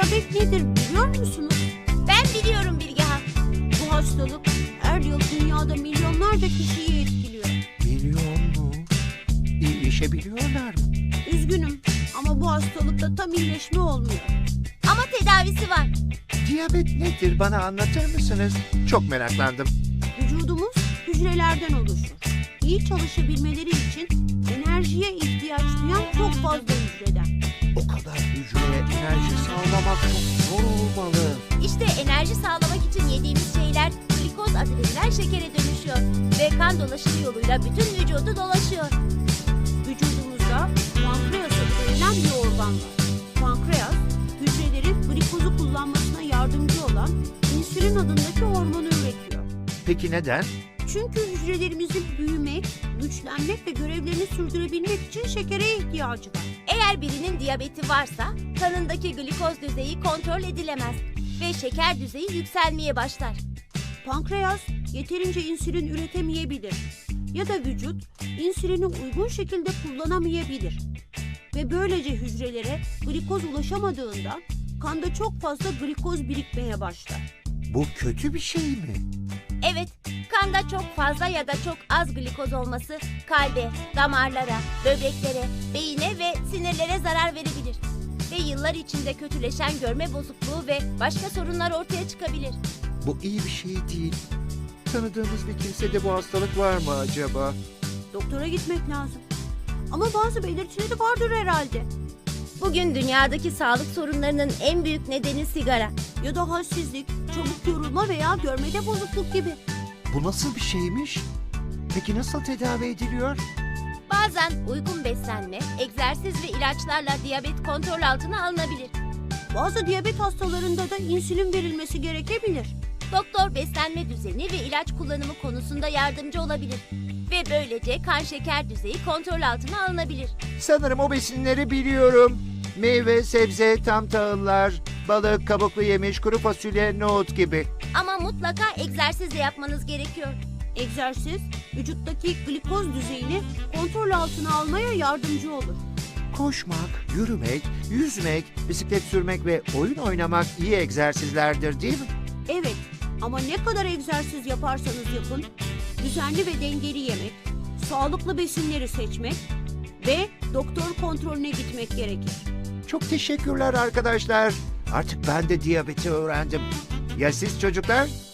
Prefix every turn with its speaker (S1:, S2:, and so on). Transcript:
S1: diyabet nedir biliyor musunuz?
S2: Ben biliyorum Bilgehan.
S1: Bu hastalık her yıl dünyada milyonlarca kişiyi etkiliyor.
S3: Milyon mu? İyileşebiliyorlar mı?
S1: Üzgünüm ama bu hastalıkta tam iyileşme olmuyor.
S2: Ama tedavisi var.
S3: Diyabet nedir? Bana anlatır mısınız? Çok meraklandım.
S1: Vücudumuz hücrelerden oluşur. İyi çalışabilmeleri için enerjiye ihtiyaç duyan çok fazla hücreden.
S3: O kadar hücreye enerji sağlamak çok zor olmalı.
S2: İşte enerji sağlamak için yediğimiz şeyler glikoz adı verilen şekere dönüşüyor. Ve kan dolaşımı yoluyla bütün vücudu dolaşıyor.
S1: Vücudumuzda pankreas adı verilen bir organ var. Pankreas, hücrelerin glikozu kullanmasına yardımcı olan insülin adındaki hormonu üretiyor.
S3: Peki neden?
S1: Çünkü hücrelerimizin büyümek, güçlenmek ve görevlerini sürdürebilmek için şekere ihtiyacı var.
S2: Eğer birinin diyabeti varsa kanındaki glikoz düzeyi kontrol edilemez ve şeker düzeyi yükselmeye başlar.
S1: Pankreas yeterince insülin üretemeyebilir ya da vücut insülini uygun şekilde kullanamayabilir. Ve böylece hücrelere glikoz ulaşamadığından kanda çok fazla glikoz birikmeye başlar.
S3: Bu kötü bir şey mi?
S2: Evet, kanda çok fazla ya da çok az glikoz olması kalbe, damarlara, böbreklere, beyine ve sinirlere zarar verebilir. Ve yıllar içinde kötüleşen görme bozukluğu ve başka sorunlar ortaya çıkabilir.
S3: Bu iyi bir şey değil. Tanıdığımız bir kimsede bu hastalık var mı acaba?
S1: Doktora gitmek lazım. Ama bazı belirtileri vardır herhalde.
S2: Bugün dünyadaki sağlık sorunlarının en büyük nedeni sigara.
S1: Ya da halsizlik, çabuk yorulma veya görmede bozukluk gibi.
S3: Bu nasıl bir şeymiş? Peki nasıl tedavi ediliyor?
S2: Bazen uygun beslenme, egzersiz ve ilaçlarla diyabet kontrol altına alınabilir.
S1: Bazı diyabet hastalarında da insülin verilmesi gerekebilir.
S2: Doktor beslenme düzeni ve ilaç kullanımı konusunda yardımcı olabilir. Ve böylece kan şeker düzeyi kontrol altına alınabilir.
S3: Sanırım o besinleri biliyorum. Meyve, sebze, tam tahıllar, balık, kabuklu yemiş, kuru fasulye, nohut gibi.
S2: Ama mutlaka egzersiz de yapmanız gerekiyor.
S1: Egzersiz, vücuttaki glikoz düzeyini kontrol altına almaya yardımcı olur.
S3: Koşmak, yürümek, yüzmek, bisiklet sürmek ve oyun oynamak iyi egzersizlerdir değil mi?
S1: Evet, ama ne kadar egzersiz yaparsanız yapın, düzenli ve dengeli yemek, sağlıklı besinleri seçmek ve doktor kontrolüne gitmek gerekir.
S3: Çok teşekkürler arkadaşlar. Artık ben de diyabeti öğrendim. Ya siz çocuklar?